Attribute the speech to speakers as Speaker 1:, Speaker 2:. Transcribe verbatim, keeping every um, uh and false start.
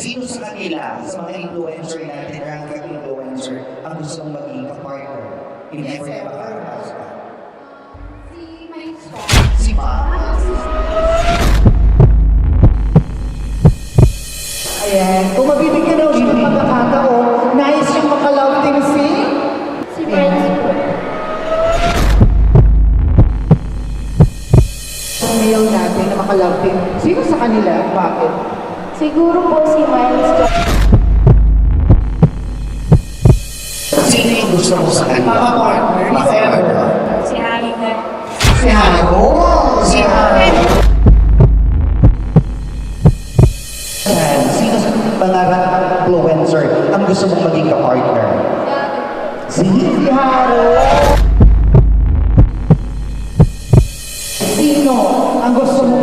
Speaker 1: Sino sa kanila, sa mga influencer natin, ranking influencer, ang gusto mong maging ka-partner? Hindi ko na makarapas ka.
Speaker 2: Si Mike Swan.
Speaker 1: Si Ma.
Speaker 3: Ayan, kung mabibigyan daw siya ng pagkakataon, nais siyang makalove team si...
Speaker 2: Si Miles po.
Speaker 3: Ang mail natin na makalove team. Sino sa kanila? Bakit?
Speaker 2: Siguro po si Miles Swan.
Speaker 1: Sino yung gusto mo sa kanila?
Speaker 3: Maka-partner, if ever.
Speaker 2: Si Harry na.
Speaker 3: Si Haro.
Speaker 1: Si Haro. Sino sa mga influencer ang gusto mong maging ka-partner?
Speaker 3: Si Haro. Sino ang gusto mo